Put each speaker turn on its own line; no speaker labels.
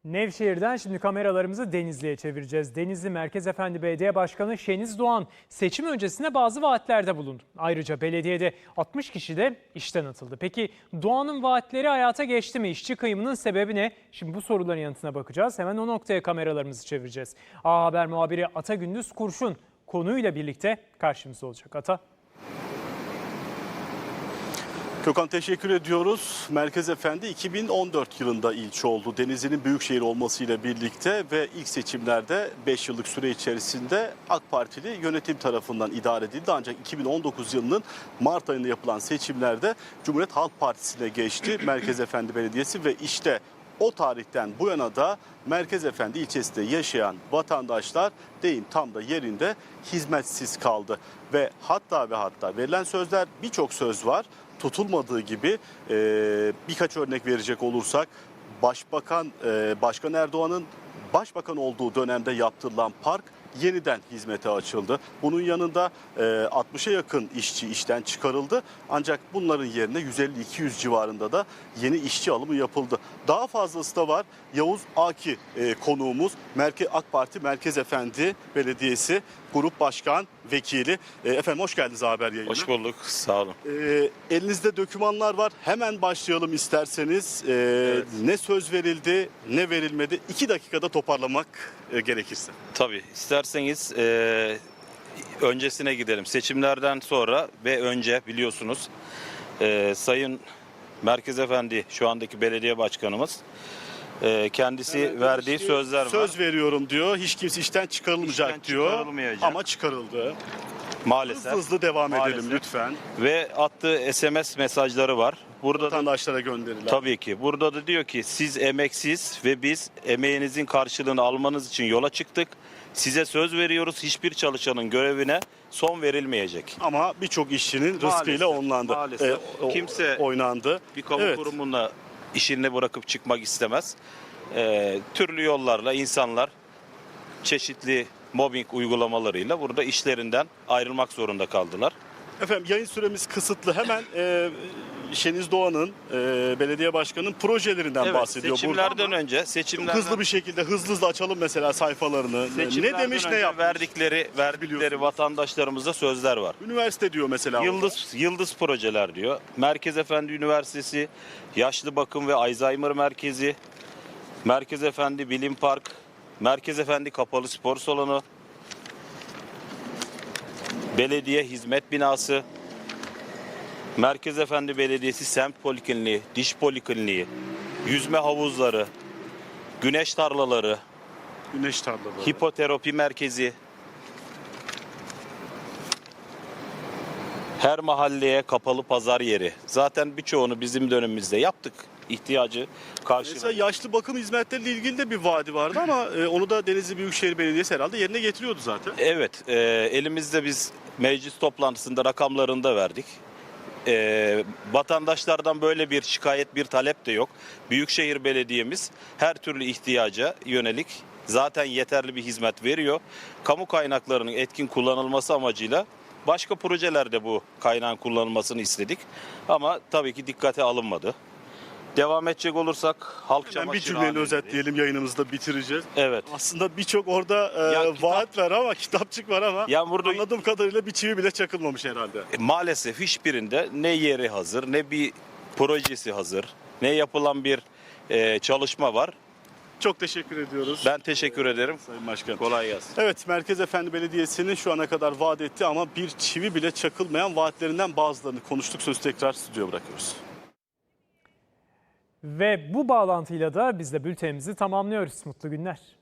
Nevşehir'den şimdi kameralarımızı Denizli'ye çevireceğiz. Denizli Merkez Efendi Belediye Başkanı Şeniz Doğan seçim öncesinde bazı vaatlerde bulundu. Ayrıca belediyede 60 kişi de işten atıldı. Peki Doğan'ın vaatleri hayata geçti mi? İşçi kıyımının sebebi ne? Şimdi bu soruların yanıtına bakacağız. Hemen o noktaya kameralarımızı çevireceğiz. A Haber muhabiri Ata Gündüz Kurşun konuyla birlikte karşımızda olacak. Ata.
Gökhan, teşekkür ediyoruz. Merkez Efendi 2014 yılında ilçe oldu. Denizli'nin büyükşehir olmasıyla birlikte ve ilk seçimlerde 5 yıllık süre içerisinde AK Partili yönetim tarafından idare edildi. Ancak 2019 yılının Mart ayında yapılan seçimlerde Cumhuriyet Halk Partisi'ne geçti Merkez Efendi Belediyesi ve işte o tarihten bu yana da Merkez Efendi ilçesinde yaşayan vatandaşlar deyim tam da yerinde hizmetsiz kaldı. Ve hatta verilen sözler, birçok söz var. Tutulmadığı gibi birkaç örnek verecek olursak Başkan Erdoğan'ın başbakan olduğu dönemde yaptırılan park yeniden hizmete açıldı. Bunun yanında 60'a yakın işçi işten çıkarıldı. Ancak bunların yerine 150-200 civarında da yeni işçi alımı yapıldı. Daha fazlası da var. Yavuz Aki konuğumuz, AK Parti Merkez Efendi Belediyesi Grup Başkan Vekili. Efendim hoş geldiniz haber yayınına.
Hoş bulduk, sağ olun.
Elinizde dokümanlar var. Hemen başlayalım isterseniz.
Evet.
Ne söz verildi, ne verilmedi? 2 dakikada toparlamak gerekirse.
Tabii, isterseniz öncesine gidelim. Seçimlerden sonra ve önce biliyorsunuz Sayın Merkez Efendi, şu andaki belediye başkanımız, kendisi verdiği sözler var.
Söz veriyorum diyor. Hiç kimse işten çıkarılmayacak
İşten
diyor.
çıkarılmayacak.
Ama çıkarıldı.
Maalesef.
Hızlı devam edelim
Maalesef.
lütfen.
Ve attığı SMS mesajları var. Burada
Vatandaşlara gönderilen.
tabii ki. Burada da diyor ki siz emeksiz ve biz emeğinizin karşılığını almanız için yola çıktık. Size söz veriyoruz, hiçbir çalışanın görevine son verilmeyecek.
Ama birçok işçinin
Maalesef,
rızkıyla onlandı.
maalesef. Kimse
oynandı.
Bir kamu
Evet.
kurumunda işini bırakıp çıkmak istemez. Türlü yollarla insanlar çeşitli mobbing uygulamalarıyla burada işlerinden ayrılmak zorunda kaldılar.
Efendim yayın süremiz kısıtlı. Hemen Şeniz Doğan'ın belediye başkanının projelerinden bahsediyor
seçimlerden
burada.
önce
Hızlı bir şekilde hızlı açalım mesela sayfalarını. Ne demiş, ne yapmış?
verdikleri vatandaşlarımıza sözler var.
Üniversite diyor mesela.
Yıldız projeler diyor. Merkez Efendi Üniversitesi, Yaşlı Bakım ve Alzheimer Merkezi, Merkez Efendi Bilim Park, Merkez Efendi Kapalı Spor Salonu, Belediye Hizmet Binası, Merkez Efendi Belediyesi Semt Polikliniği, Diş Polikliniği, yüzme havuzları, güneş tarlaları, hipoterapi merkezi, her mahalleye kapalı pazar yeri. Zaten birçoğunu bizim dönemimizde yaptık. İhtiyacı karşıladık.
Mesela yaşlı bakım hizmetleriyle ilgili de bir vaadi vardı ama onu da Denizli Büyükşehir Belediyesi herhalde yerine getiriyordu zaten.
Evet, elimizde biz meclis toplantısında rakamlarını da verdik. Vatandaşlardan böyle bir şikayet, bir talep de yok. Büyükşehir Belediyemiz her türlü ihtiyaca yönelik zaten yeterli bir hizmet veriyor. Kamu kaynaklarının etkin kullanılması amacıyla başka projelerde bu kaynağın kullanılmasını istedik. Ama tabii ki dikkate alınmadı. Devam edecek olursak halk
Hemen bir cümleyle özetleyelim, yayınımızı da bitireceğiz.
Evet.
Aslında birçok orada vaat var ama kitapçık var ama
burada
anladığım kadarıyla bir çivi bile çakılmamış herhalde.
Maalesef hiçbirinde ne yeri hazır, ne bir projesi hazır, ne yapılan bir çalışma var.
Çok teşekkür ediyoruz.
Ben teşekkür ederim.
Sayın Başkan.
Kolay gelsin.
Evet, Merkez Efendi Belediyesi'nin şu ana kadar vaat ettiği ama bir çivi bile çakılmayan vaatlerinden bazılarını konuştuk. Sözü tekrar stüdyoya bırakıyoruz.
Ve bu bağlantıyla da biz de bültenimizi tamamlıyoruz. Mutlu günler.